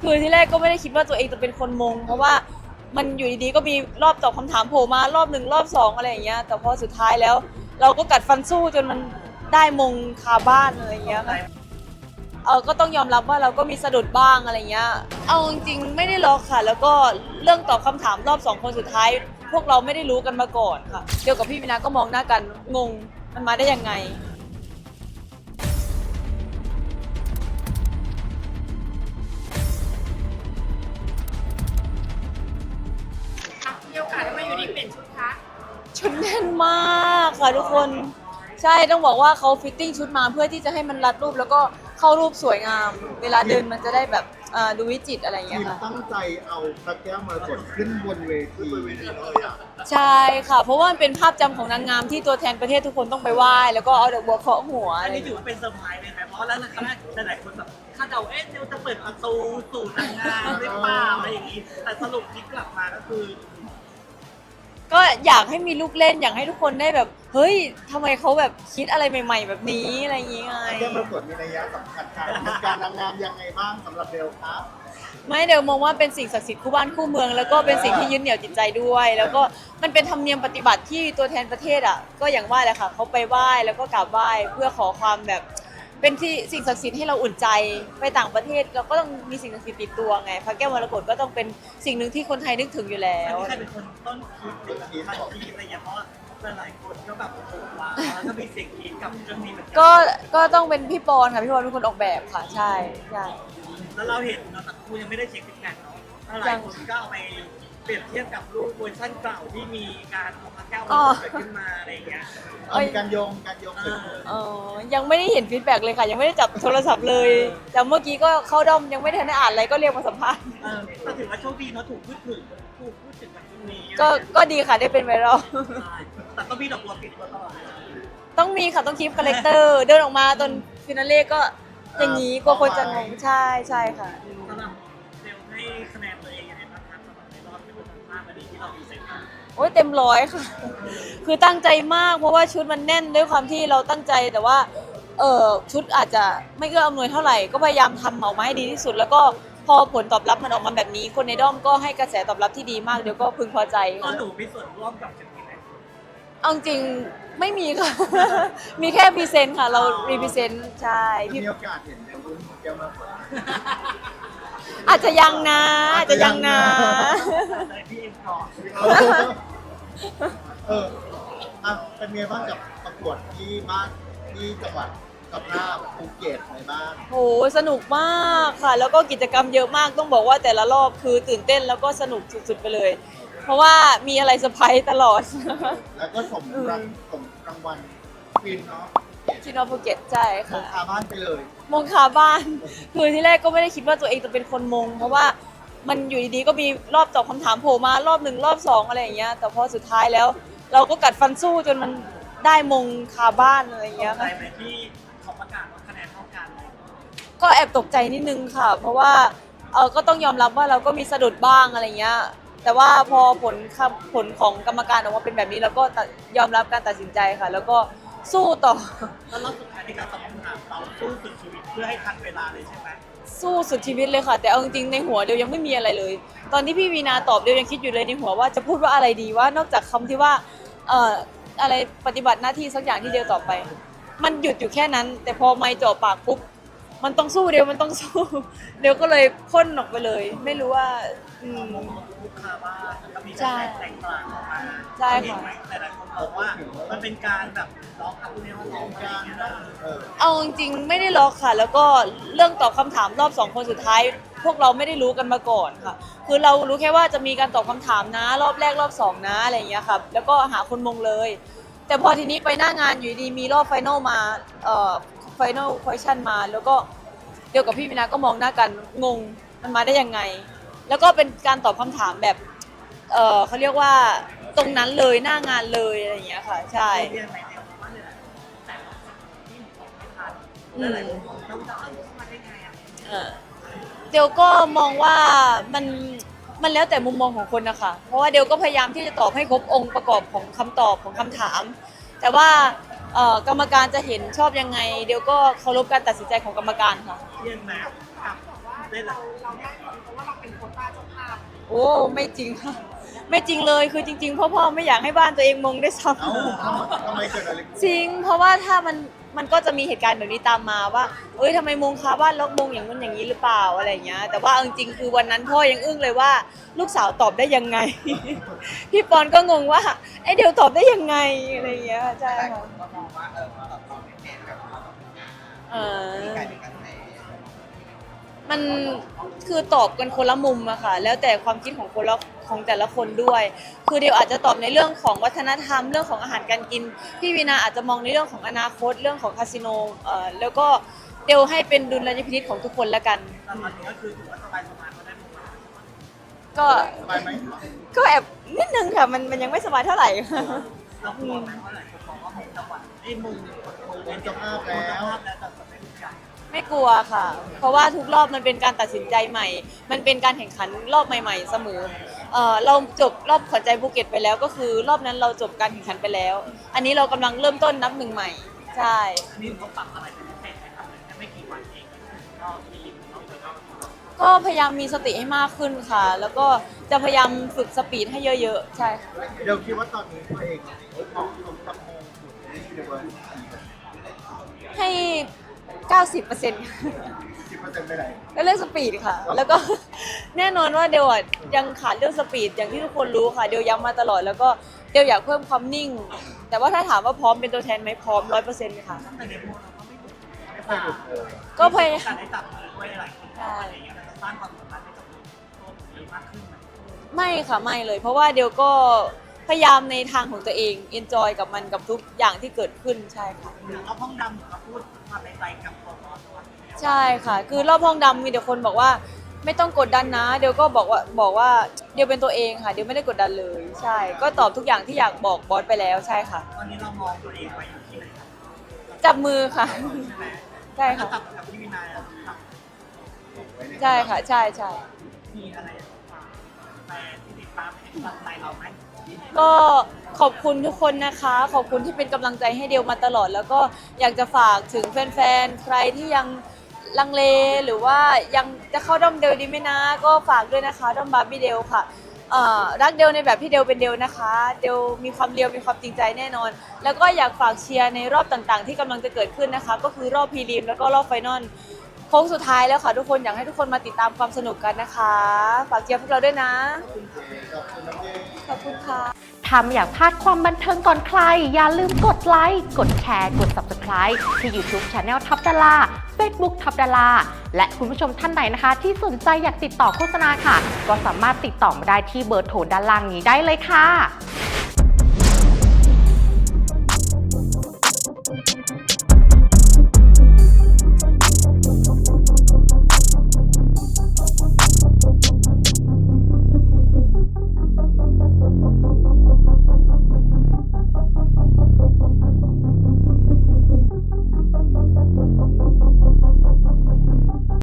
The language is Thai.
คือที่แรกก็ไม่ได้คิดว่าตัวเองจะเป็นคนมงเพราะว่ามันอยู่ดีๆก็มีรอบตอบคำถามโผล่มารอบหนึ่งรอบสองอะไรอย่างเงี้ยแต่พอสุดท้ายแล้วเราก็กัดฟันสู้จนมันได้มงคาบ้านอะไรอย่างเงี้ยค่ะก็ต้องยอมรับว่าเราก็มีสะดุดบ้างอะไรเงี้ยเอาจริงๆไม่ได้ล็อกค่ะแล้วก็เรื่องตอบคำถามรอบ2คนสุดท้ายพวกเราไม่ได้รู้กันมาก่อนค่ะเดียวกับพี่วินาก็มองหน้ากันงงมันมาได้ยังไงมีโอกาสได้มาอยู่ดีเปลี่ยนชุดคะชุดแน่นมากค่ะทุกคนใช่ต้องบอกว่าเขาฟิตติ้งชุดมาเพื่อที่จะให้มันรัดรูปแล้วก็เข้ารูปสวยงาม เวลาเดินมันจะได้แบบดูวิจิตรอะไรอย่างทีเงี้ยมค่ะตั้งใจเอาพระแก้วมรกตขึ้นบนเวทีเลยอ่ะใช่ค่ะ เพราะว่ามันเป็นภาพจำของนางงามที่ตัวแทนประเทศทุกคนต้องไปไหว้แล้วก็เอาดอกบัวเคาะหัวอัอะนไรอนี้ย่างถือเงี้ยว่าเป็นเซอร์ไพรส์เลยไหมเพราะแล้วครั้งแรกหลายๆคนแบบคาดเดาเดี๋ยวจะเปิดประตูสู่นางงามหรือเปล่าอะไรอย่างนี้ แต่สรุปที่กลับมาก็คือก็อยากให้มีลูกเล่นอยากให้ทุกคนได้แบบเฮ้ยทำไมเขาแบบคิดอะไรใหม่ ๆ แบบนี้อะไรอย่างเงี้ยไงพระแก้วมรกตมีนัยสำคัญการเป็นการนางงามยังไงบ้างสำหรับเบลครับไม่เดี๋ยวมองว่าเป็นสิ่งศักดิ์สิทธิ์คู่บ้านคู่เมืองแล้วก็เป็นสิ่งที่ยึดเหนี่ยวจิตใจด้วย แล้วก็มันเป็นธรรมเนียมปฏิบัติที่ตัวแทนประเทศอ่ะก็อย่างว่าแหละค่ะเขาไปไหว้แล้วก็กราบไหว้เพื่อขอความแบบเป็นที่สิ่งศักดิ์สิทธิ์ให้เราอุ่นใจไปต่างประเทศเราก็ต้องมีสิ่งศักดิ์สิทธิ์ติดตัวไงพระแก้วมรกตก็ต้องเป็นสิ่งหนึ่งที่คนไทยนึกถึงอยู่แล้อันวนี้ใครเป็นคนต้นคิดหรือแบบทันทีอะไรอย่างเงี้ยเพราะว่าหลายๆคนก็แบบโอ้โหว้าวแล้วก็มีเสียงคิดกับเรื่องนี้เหมือนกัก็ต้องเป็นพี่ปอนค่ะพี่ปอนเป็นคนออกแบบค่ะใช่ใช่แล้วเราเห็นเราแต่ครูยังไม่ได้เช็คซิกแพคเนาะหลายคนก็เอาไปเปรียบเทียบกับรูปเวอร์ชันเก่าที่มีการเอาพระแก้วมาเกิดขึ้นมาอะไรอย่างเงี้ยมีการโยงเกิดขึ้นยังไม่ได้เห็นฟีดแบ็กเลยค่ะ ยังไม่ได้จับโทรศัพท์เลย แต่เมื่อกี้ก็เข้าด้อมยังไม่ทันได้อ่านอะไรก็เรียกมาสัมภาษณ์แต่ถือว่าโชคดีเนาะถูกพูดถึงแบบนี้ก็ดีค่ะได้เป็นไวรัลแต่ก็มีดอกบัวปิดตัวตลอดเลยต้องมีค่ะต้องคีปคาแรคเตอร์เดินออกมาตอนฟินาเล่ก็อย่างนี้กลัวคนจะงงใช่ใช่ค่ะสำหรับเซลให้คะแนนตัวเองยังไงบ้างครับสำหรับในรอบที่เป็นภาพวันนี้ที่เรามีเซ็นมาโอ้ยเต็มร้อยค่ะ คือตั้งใจมากเพราะว่าชุดมันแน่นด้วยความที่เราตั้งใจแต่ว่าชุดอาจจะไม่เอื้ออำนวยเท่าไหร่ก็พยายามทำออกมาให้ดีที่สุด แล้วก็พอผลตอบรับมันออกมาแบบนี้ คนในด้อมก็ให้กระแสตอบรับที่ดีมากเดี๋ยวก็พึงพอใจตอค่ะนหนูมีส่วนร่วมกับจุดนี้ไหมเอาจริงไม่มีค่ะ มีแค่พรีเซนต์ค่ะ เรารีพรีเซนต์ใช่พี่มีโอกาสเห็นเบลรุ่นพระแก้วมรกตอาจจะยังนะอาจจะยังนะแต่พี่เอ็มก่อนเป็นไงบ้างกับประกวดที่บ้านที่จังหวัดกับภาพภูเก็ตอะไรบ้างโหสนุกมากค่ะ แล้วก็กิจกรรมเยอะมากต้องบอกว่าแต่ละรอบคือตื่นเต้นแล้วก็สนุกสุดๆไปเลย เพราะว่ามีอะไรเซอร์ไพรส์ตลอดแล้วก็สมรางวัลฟินเนาะชินอภูเก็ตใช่โมค่ะคาบ้านไปเลยมงคาบ้าน คือที่แรกก็ไม่ได้คิดว่าตัวเองจะเป็นคนมง เพราะว่ามันอยู่ดีๆก็มีรอบตอบคำถามโผล่มารอบหนึ่งรอบสองอะไรอย่างเงี้ยแต่พอสุดท้ายแล้ว เราก็กัดฟันสู้จนมันได้มงคาบ้านอะไรอย่างเงี้ยใจค่ะไหมที่เขาประกาศว่าคะแนนเท่ากันเลยก็แอบตกใจนิดนึงค่ะ เพราะว่าก็ต้องยอมรับว่าเราก็มีสะดุดบ้างอะไรเงี้ยแต่ว่าพอผลของกรรมการออกมาเป็นแบบนี้เราก็ยอมรับการตัดสินใจค่ะ แล้วก็สู้ต่อแล้วรอบสุดท้ายในการตอบคำถามเราสู้สุดชีวิตเพื่อให้ทันเวลาเลยใช่ไหมสู้สุดชีวิตเลยค่ะ แต่เอาจริงๆในหัวเดียวยังไม่มีอะไรเลย ตอนที่พี่วีนาตอบเดียวยังคิดอยู่เลยในหัวว่าจะพูดว่าอะไรดีว่านอกจากคำที่ว่าอะไรปฏิบัติหน้าที่สักอย่างที่เดียวตอบไป มันหยุดอยู่แค่นั้น แต่พอไม่จ่อปากปุ๊บมันต้องสู้เดียวมันต้องสู้ เดียวก็เลยพ่นออกไปเลย ไม่รู้ว่าลูกค้าบ้านแล้วก็มีใช่การแต่งกลางออกมาใช่ค่ะเห็นไหมหลายๆคนบอกว่ามันเป็นการแบบร้องอัพในห้องร้องอะไรอย่างเงี้ยนะเอาจริงๆไม่ได้ล็อกค่ะ แล้วก็เรื่องตอบคำถามรอบ2คนสุดท้าย พวกเราไม่ได้รู้กันมาก่อนค่ะ คือเรารู้แค่ว่าจะมีการตอบคำถามนะรอบแรกรอบ2นะอะไรอย่างเงี้ยครับแล้วก็หาคนมงเลย แต่พอทีนี้ไปหน้างานอยู่ดีมีรอบไฟนอลมาไฟนอลควอชั่นมา แล้วก็เดียวกับพี่วินาก็มองหน้ากันงงมันมาได้ยังไง แล้วก็เป็นการตอบคำถามแบบเขาเรียกว่าตรงนั้นเลยหน้างานเลยอะไรอย่างเงี้ยค่ะใช่เรียนไหนเนี่ยว่าเนี่ยแต่ละที่ตอบไม่ทันหลายๆคนบอกต้องจะเข้ามาได้ไงอ่ะเดียวก็มองว่ามันแล้วแต่มุมมองของคนนะคะเพราะว่าเดียวก็พยายามที่จะตอบให้ครบองค์ประกอบของคำตอบของคำถาม แต่ว่ากรรมการจะเห็นชอบยังไง เดียวก็เคารพการตัดสินใจของกรรมการค่ะเรียนไหมกับได้เลยเราได้เพราะว่าเราเป็นโควต้าเจ้าภาพโอ้ไม่จริงค่ะไม่จริงเลยคือจริงๆพ่อไม่อยากให้บ้านตัวเองมงได้วยซ้เอ้าทำไมเกิดอะไรขึ้นำจริง เพราะว่าถ้ามันก็จะมีเหตุการณ์แบบนี้ตามมาว่าเอ้ยทำไมมงคาบ้านล็อกมงอย่างนู้นอย่างนี้หรือเปล่าอะไรอย่างเงี้ยแต่ว่าเอาจริงๆคือวันนั้นพ่อยังอึ้งเลยว่าลูกสาวตอบได้ยังไง พี่ปอนก็งงว่าไอเดียวตอบได้ยังไงอะไรอย่างเงี้ยใช่ค่ะก็มองว่าเราตอบไม่เป็นกับเราเออมีการเป็นการแสมันคือตอบกันคนละมุมอะค่ะแล้วแต่ความคิดของคนละของแต่ละคนด้วย คือเดี๋ยวอาจจะตอบในเรื่องของวัฒนธรรมเรื่องของอาหารการกินพี่วีนาอาจจะมองในเรื่องของอนาคตเรื่องของคาสิโนแล้วก็เดี๋ยวให้เป็นดุลยพินิจของทุกคนละกันตอนนี้ก็คือถือว่าสบายๆก็ได้มงมาก็สบายไหมก็แอบนิดนึงค่ะมันยังไม่สบายเท่าไหร่เรากลัวไหมว่าหลายคนบอกว่ามงจังหวัดไอ้มงเป็นเจ้าภาพมงแล้เจ้าว ภาพแล้วแต่ไม่รู้จักไม่กลัวค่ะ เพราะว่าทุกรอบมันเป็นการตัดสินใจใหม่ มันเป็นการแข่งขันรอบใหม่ๆเสมอเราจบรอบขวัญใจภูเก็ตไปแล้วก็คือรอบนั้นเราจบการแข่งขันไปแล้ว อันนี้เรากำลังเริ่มต้นนับหนึ่งใหม่ ใช่อันนี้เขาปรับอะไรเป็นพิเศษไหมครับแค่ไม่กี่วันเองก็มีเราจะต้องก็พยายามมีสติให้มากขึ้นค่ะ แล้วก็จะพยายามฝึกสปีดให้เยอะๆ ใช่ค่ะเดี๋ยวคิดว่าตอนนี้ตัวเองเหมาะสมกับมงสุดในยูนิเวิร์สให้ 90% 10%ไปไหนก็เรื่องสปีดค่ะ แล้วก็ แน่นอนว่าเดวอะยังขาดเรื่องสปีดอย่างที่ทุกคนรู้ค่ะ เดวย้ำมาตลอด แล้วก็เดวอยากเพิ่มความนิ่ง แต่ว่าถ้าถามว่าพร้อมเป็นตัวแทนไหมพร้อม 100%ค่ะแต่ในโมเราก็ไม่หยุดไม่เคยหยุดเลยก็พยายามการได้จับมือด้วยหลายคนอะไรอย่างเงี้ยมันจะสร้างความสัมพันธ์ให้กับตัวผมเยอะมากขึ้นไหมไม่ค่ะไม่เลย เพราะว่าเดวก็พยายามในทางของตัวเอง เอนจอยกับมันกับทุกอย่างที่เกิดขึ้นใช่ค่ะหรือเอาห้องดำหรือมาพูดความในใจกับตัวบอสตัวใช่ค่ะ คือรอบห้องดำมีแต่คนบอกว่าไม่ต้องกดดันนะ เดี๋ยวก็บอกว่าเดี๋ยวเป็นตัวเองค่ะ เดี๋ยวไม่ได้กดดันเลย ใช่ ก็ตอบทุกอย่างที่อยากบอกบอสไปแล้วใช่ค่ะตอนนี้เรามองตัวเองไปอยู่ที่ไหนครับจับมือค่ะใช่ไหมใช่ค่ะจับกับพี่วินัยอะครับใช่ค่ะ ใช่ใช่มีอะไรฝากแต่ที่ติดตามให้กำลังใจเราไหมก็ขอบคุณทุกคนนะคะ ขอบคุณที่เป็นกำลังใจให้เดียวมาตลอด แล้วก็อยากจะฝากถึงแฟนๆ ใครที่ยังลังเลหรือว่ายังจะเข้าด้อมเดลดีไหมนะ ก็ฝากด้วยนะคะด้อมบาร์บี้เดลค่ะรักเดลในแบบที่เดลเป็นเดลนะคะ เดลมีความเดียวมีความจริงใจแน่นอน แล้วก็อยากฝากเชียร์ในรอบต่างๆ ที่กำลังจะเกิดขึ้นนะคะ ก็คือรอบพรีลิมแล้วก็รอบไฟนอลโค้งสุดท้ายแล้วค่ะทุกคนอยากให้ทุกคนมาติดตามความสนุกกันนะคะ ฝากเชียร์พวกเราด้วยนะขอบคุณน้ำเองขอบคุณค่ะถ้าไม่อยากพลาดความบันเทิงก่อนใคร อย่าลืมกดไลค์ กดแชร์ กด Subscribe ที่ YouTube Channel ทับดารา Facebook ทับดาราและคุณผู้ชมท่านไหนนะคะ ที่สนใจอยากติดต่อโฆษณาค่ะ ก็สามารถติดต่อมาได้ที่เบอร์โทรด้านล่างนี้ได้เลยค่ะ